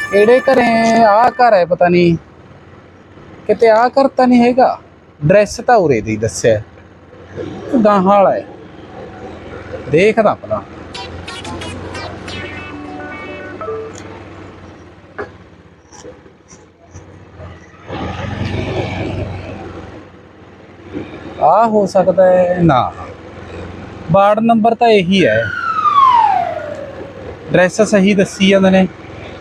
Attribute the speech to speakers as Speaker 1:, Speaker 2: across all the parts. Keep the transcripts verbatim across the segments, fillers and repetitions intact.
Speaker 1: ਕਿਹੜੇ ਘਰੇ ਆ ਘਰ ਹੈ ਪਤਾ ਨਹੀਂ ਕਿਤੇ ਆ ਘਰ ਤਾਂ ਨਹੀਂ ਹੈਗਾ। ਡਰੈਸ ਤਾਂ ਉਰੇ ਦੀ ਦੱਸਿਆ ਗਾਹਾਂ ਵਾਲਾ ਹੈ। ਦੇਖਦਾ ਭਲਾ ਆ ਹੋ ਸਕਦਾ ਹੈ ਨਾ। ਵਾਰਡ ਨੰਬਰ ਤਾਂ ਇਹੀ ਹੈ। ਡਰੈਸ ਸਹੀ ਦੱਸੀ ਜਾਂਦੇ ਨੇ।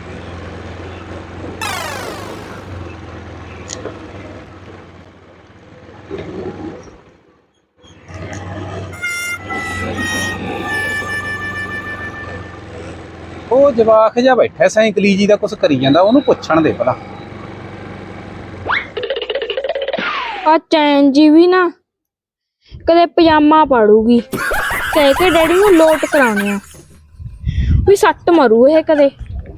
Speaker 1: ਉਹ ਜਵਾਕ ਜਿਹਾ ਬੈਠਾ ਸਾਈਕਲੀ ਜੀ ਦਾ ਕੁਛ ਕਰੀ ਜਾਂਦਾ, ਉਹਨੂੰ ਪੁੱਛਣ ਦੇ ਭਲਾ।
Speaker 2: ਆ ਚੈਨ ਜੀ ਵੀ ਨਾ ਕਦੇ ਪਜਾਮਾ ਪਾੜੂਗੀ, ਕਹਿ ਕੇ ਡੈਡੀ ਨੂੰ ਲੋਟ ਕਰਾਉਣੇ ਆ ਵੀ ਸੱਟ ਮਾਰੂ ਇਹ ਕਦੇ।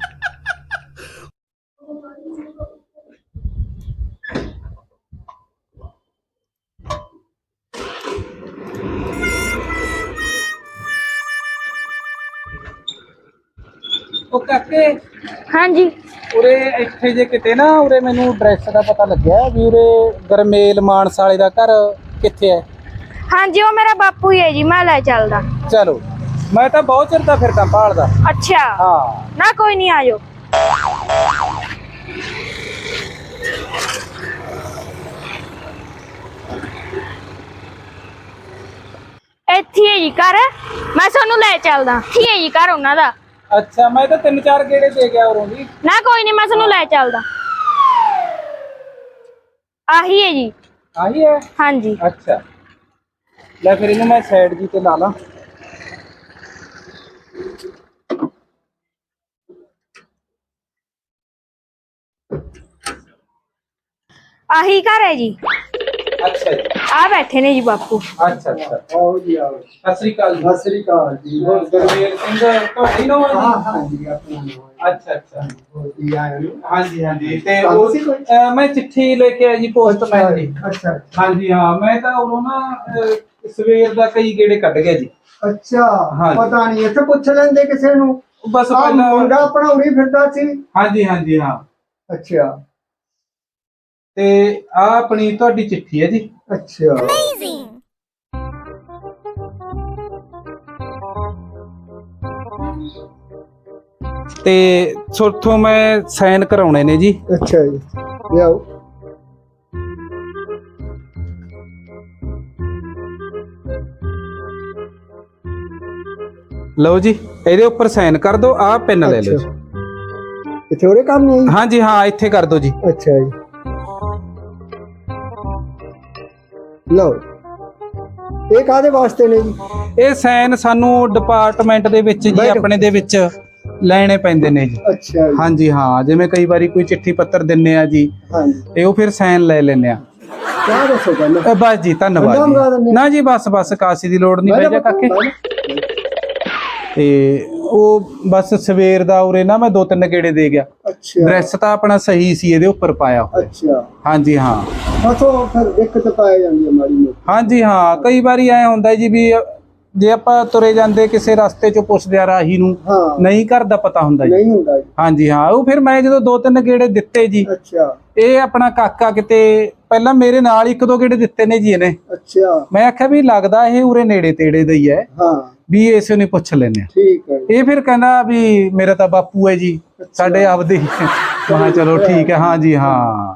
Speaker 1: ਉਹ ਕਾਕੇ
Speaker 2: ਹਾਂਜੀ
Speaker 1: ਉਰੇ ਇੱਥੇ ਜੇ ਕਿਤੇ ਨਾ ਉਰੇ ਮੈਨੂੰ ਡਰੈਸ ਦਾ ਪਤਾ ਲੱਗਿਆ ਵੀ ਉਰੇ ਗਰਮੇਲ ਮਾਨਸਾ ਵਾਲੇ ਦਾ ਘਰ ਕਿੱਥੇ ਹੈ।
Speaker 2: ਹਾਂਜੀ ਉਹ ਮੇਰਾ ਬਾਪੂ ਹੀ ਹੈ ਜੀ, ਮੈਂ ਲੈ ਚੱਲਦਾ।
Speaker 1: ਚਲੋ ਮੈਂ ਤਾਂ ਬਹੁਤ ਚਿਰ ਦਾ ਫਿਰਦਾ ਭਾਲਦਾ।
Speaker 2: ਅੱਛਾ
Speaker 1: ਹਾਂ
Speaker 2: ਨਾ ਕੋਈ ਨਹੀਂ, ਆਜੋ। ਇੱਥੇ ਹੈ ਜੀ ਘਰ, ਮੈਂ ਤੁਹਾਨੂੰ ਲੈ ਚੱਲਦਾ। ਠੀਕ ਹੈ ਜੀ ਘਰ ਉਹਨਾਂ ਦਾ।
Speaker 1: ਅੱਛਾ ਮੈਂ ਤਾਂ ਤਿੰਨ ਚਾਰ ਗੇੜੇ ਦੇ ਗਿਆ ਉਰੋਂ ਦੀ।
Speaker 2: ਨਾ ਕੋਈ ਨਹੀਂ, ਮੈਂ ਤੁਹਾਨੂੰ ਲੈ ਚੱਲਦਾ। ਆਹੀ ਹੈ ਜੀ।
Speaker 1: ਆਹੀ ਹੈ?
Speaker 2: ਹਾਂਜੀ।
Speaker 1: ਅੱਛਾ ਲੈ ਫਿਰ ਇਹਨੂੰ ਮੈਂ ਸਾਈਡ ਜੀ ਤੇ ਲਾ ਲਾਂ।
Speaker 2: ਆਹੀ ਘਰ ਹੈ ਜੀ।
Speaker 1: ਅੱਛਾ ਜੀ
Speaker 2: ਆ ਬੈਠੇ ਨੇ ਜੀ ਬਾਪੂ।
Speaker 1: ਅੱਛਾ ਅੱਛਾ ਆਓ ਜੀ ਆਓ। ਸਤਿ ਸ੍ਰੀ ਅਕਾਲ ਜੀ।
Speaker 3: ਸਤਿ ਸ੍ਰੀ ਅਕਾਲ ਜੀ।
Speaker 1: ਹੋਰ ਗਰਮੇਲ ਸਿੰਘ ਤੁਹਾਡੀ ਨੋ ਹੈ?
Speaker 3: ਹਾਂ ਹਾਂ ਜੀ ਆਪਣਾ ਨਾਮ।
Speaker 1: ਅੱਛਾ ਅੱਛਾ
Speaker 3: ਹੋਰ ਕੀ ਆਇਆ ਨੂੰ?
Speaker 1: ਹਾਂਜੀ ਹਾਂਜੀ। ਤੇ
Speaker 3: ਕੰਮ
Speaker 1: ਉਹ
Speaker 3: ਸੀ ਕੋਈ?
Speaker 1: ਅਹ ਮੈਂ ਚਿੱਠੀ ਲੈ ਕੇ ਆਇਆ ਜੀ ਪੋਸਟਮੈਨ ਦੀ।
Speaker 3: ਅੱਛਾ
Speaker 1: ਹਾਂਜੀ ਹਾਂ ਮੈਂ ਤਾਂ ਉਰੋਂ ਨਾ ਅਹ, ਸਵੇਰ ਦਾ ਕਈ ਗੇੜੇ ਕੱਢ ਗਿਆ ਜੀ।
Speaker 3: ਅੱਛਾ
Speaker 1: ਹਾਂਜੀ।
Speaker 3: ਪਤਾ ਨਹੀਂ ਇੱਥੇ ਪੁੱਛ ਲੈਂਦੇ ਕਿਸੇ ਨੂੰ।
Speaker 1: ਬਸ
Speaker 3: ਆਹ
Speaker 1: ਪਹਿਲਾਂ
Speaker 3: ਮੁੰਡਾ ਆਪਣਾ ਉਰੀ ਫਿਰਦਾ ਸੀ।
Speaker 1: ਹਾਂਜੀ ਹਾਂਜੀ ਹਾਂ।
Speaker 3: ਅੱਛਾ
Speaker 1: ਤੇ ਆ ਆਪਣੀ ਤੁਹਾਡੀ ਚਿੱਠੀ ਹੈ ਜੀ।
Speaker 3: ਅੱਛਾ
Speaker 1: ਤੇ ਸੋਥੋਂ ਮੈਂ ਸਾਈਨ ਕਰਾਉਣੇ ਨੇ ਜੀ।
Speaker 3: ਅੱਛਾ ਜੀ ਲਿਆਓ।
Speaker 1: ਲਓ ਜੀ ਇਹਦੇ ਉੱਪਰ ਸਾਈਨ ਕਰ ਦਿਓ। ਆਹ ਪੈਨ ਲੈ ਲਓ ਜੀ।
Speaker 3: ਇੱਥੇ ਉਹਦੇ ਕੰਮ ਨਹੀਂ ਆਈ?
Speaker 1: ਹਾਂਜੀ ਹਾਂ ਇੱਥੇ ਕਰ ਦਿਓ ਜੀ।
Speaker 3: ਅੱਛਾ ਜੀ ਲਓ। ਇਹ ਕਾਹਦੇ ਵਾਸਤੇ ਨੇ ਜੀ?
Speaker 1: ਇਹ ਸਾਈਨ ਸਾਨੂੰ ਡਿਪਾਰਟਮੈਂਟ ਦੇ ਵਿੱਚ ਜੀ ਆਪਣੇ ਦੇ ਵਿੱਚ ਲੈਣੇ ਪੈਂਦੇ ਨੇ ਜੀ।
Speaker 3: ਅੱਛਾ ਜੀ
Speaker 1: ਹਾਂਜੀ ਹਾਂ ਜਿਵੇਂ ਕਈ ਵਾਰੀ ਕੋਈ ਚਿੱਠੀ ਪੱਤਰ ਦਿੰਨੇ ਆ ਜੀ
Speaker 3: ਹਾਂਜੀ
Speaker 1: ਤੇ ਉਹ ਫਿਰ ਸਾਈਨ ਲੈ ਲੈਂਦੇ ਆ।
Speaker 3: ਕਿਆ ਦੱਸੋ ਪਹਿਲਾਂ?
Speaker 1: ਅ, ਬਸ ਜੀ ਧੰਨਵਾਦ
Speaker 3: ਬੰਦਾ ਮੰਗਾ ਦਿੰਦੇ
Speaker 1: ਜੀ।
Speaker 3: ਆ।
Speaker 1: ਨਾ ਜੀ ਬਸ ਬਸ ਕਾਸੀ ਦੀ ਲੋੜ ਨਹੀਂ ਪੈ ਜਾ ਕਾਕੇ। ਤੇ ਉਹ ਬਸ ਸਵੇਰ ਦਾ ਉਰੇ ਨਾ ਮੈਂ ਦੋ ਤਿੰਨ ਗੇੜੇ ਦੇ ਗਿਆ।
Speaker 3: ਅੱਛਾ
Speaker 1: ਡਰੈਸ ਤਾਂ ਆਪਣਾ ਸਹੀ ਸੀ ਇਹਦੇ ਉੱਪਰ ਪਾਇਆ ਹੋਇਆ।
Speaker 3: ਅੱਛਾ
Speaker 1: ਹਾਂਜੀ ਹਾਂ
Speaker 3: ਮਸੋ ਫਿਰ ਦਿੱਕਤ ਪਾਈ ਜਾਂਦੀ ਹੈ ਮਾੜੀ ਮੋਟੀ।
Speaker 1: ਹਾਂਜੀ ਹਾਂ ਕਈ ਵਾਰੀ ਐ ਹੁੰਦਾ ਜੀ ਵੀ ਜੇ ਆਪਾਂ ਤੁਰੇ ਜਾਂਦੇ ਕਿਸੇ ਰਸਤੇ ਚੋਂ ਪੁੱਛਦੇ ਆ ਰਾਹੀ ਨੂੰ
Speaker 3: ਹਾਂ
Speaker 1: ਨਹੀਂ ਘਰ ਦਾ ਪਤਾ ਹੁੰਦਾ ਜੀ।
Speaker 3: ਨਹੀਂ ਹੁੰਦਾ ਜੀ।
Speaker 1: ਹਾਂਜੀ ਹਾਂ ਉਹ ਫਿਰ ਮੈਂ ਜਦੋਂ ਦੋ ਤਿੰਨ ਗੇੜੇ ਦਿੱਤੇ ਜੀ
Speaker 3: ਅੱਛਾ
Speaker 1: ਇਹ ਆਪਣਾ ਕਾਕਾ ਕਿਤੇ ਪਹਿਲਾਂ ਮੇਰੇ ਨਾਲ ਇੱਕ ਦੋ ਗੇੜੇ ਦਿੱਤੇ ਨੇ ਜੀ ਇਹਨੇ।
Speaker 3: ਅੱਛਾ ਮੈਂ
Speaker 1: ਮੈਂ ਆਖਿਆ ਵੀ ਲੱਗਦਾ ਇਹ ਉਰੇ ਨੇੜੇ ਤੇੜੇ ਦਾ ਹੀ ਹੈ
Speaker 3: ਹਾਂ
Speaker 1: ਵੀ ਇਸੇ ਨੂੰ ਪੁੱਛ ਲੈਨੇ ਆ।
Speaker 3: ਠੀਕ ਹੈ ਜੀ।
Speaker 1: ਇਹ ਫਿਰ ਕਹਿੰਦਾ ਵੀ ਮੇਰਾ ਤਾਂ ਬਾਪੂ ਹੈ ਜੀ ਸਾਡੇ ਆਪਦੇ। ਮੈਂ ਕਿਹਾ ਚਲੋ ਠੀਕ ਹੈ। ਹਾਂਜੀ ਹਾਂ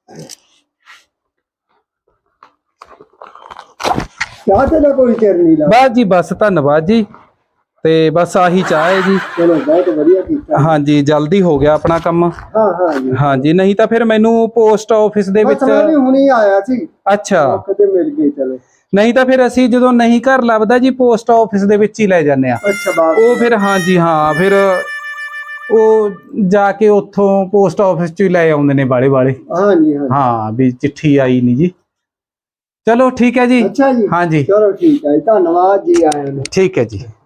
Speaker 3: ਚਾਹ ਤੇ ਦਾ ਕੋਈ ਚਿਰ ਨਹੀਂ ਲਾ।
Speaker 1: ਬਸ ਜੀ ਬਸ ਧੰਨਵਾਦ ਜੀ। ਤੇ ਬਸ ਆਹੀ ਚਾਹ ਹੈ ਜੀ।
Speaker 3: ਚਲੋ ਬਹੁਤ ਵਧੀਆ ਕੀਤਾ।
Speaker 1: ਹਾਂਜੀ ਜਲਦੀ ਹੋ ਗਿਆ ਆਪਣਾ ਕੰਮ।
Speaker 3: ਹਾਂ ਹਾਂ ਜੀ
Speaker 1: ਹਾਂਜੀ ਨਹੀਂ ਤਾਂ ਫਿਰ ਮੈਨੂੰ ਪੋਸਟ ਆਫਿਸ ਦੇ ਵਿੱਚ।
Speaker 3: ਬਸ ਮੈਂ ਵੀ ਹੁਣੀ ਆਇਆ ਸੀ।
Speaker 1: ਅੱਛਾ
Speaker 3: ਕਦੇ ਮਿਲ ਗਏ ਚਲੋ।
Speaker 1: ਨਹੀਂ ਤਾਂ ਫਿਰ ਅਸੀਂ ਜਦੋਂ ਨਹੀਂ ਘਰ ਲੱਭਦਾ ਜੀ ਪੋਸਟ ਆਫਿਸ ਦੇ ਵਿੱਚ ਹੀ ਲੈ ਜਾਂਦੇ ਆ।
Speaker 3: ਅੱਛਾ ਬਾਤ
Speaker 1: ਉਹ ਫਿਰ ਹਾਂਜੀ ਹਾਂ ਫਿਰ ਉਹ ਜਾ ਕੇ ਉੱਥੋਂ ਪੋਸਟ ਆਫਿਸ ਚ ਹੀ ਲੈ ਆਉਂਦੇ ਨੇ ਬਾਲੇ ਬਾਲੇ।
Speaker 3: ਹਾਂ ਜੀ ਹਾਂ
Speaker 1: ਹਾਂ ਵੀ ਚਿੱਠੀ ਆਈ ਨਹੀਂ ਜੀ। ਚਲੋ ਠੀਕ ਹੈ ਜੀ।
Speaker 3: ਅੱਛਾ ਜੀ
Speaker 1: ਹਾਂਜੀ
Speaker 3: ਚਲੋ ਠੀਕ ਹੈ ਧੰਨਵਾਦ ਜੀ ਆਏ ਨੂੰ।
Speaker 1: ਠੀਕ ਹੈ ਜੀ।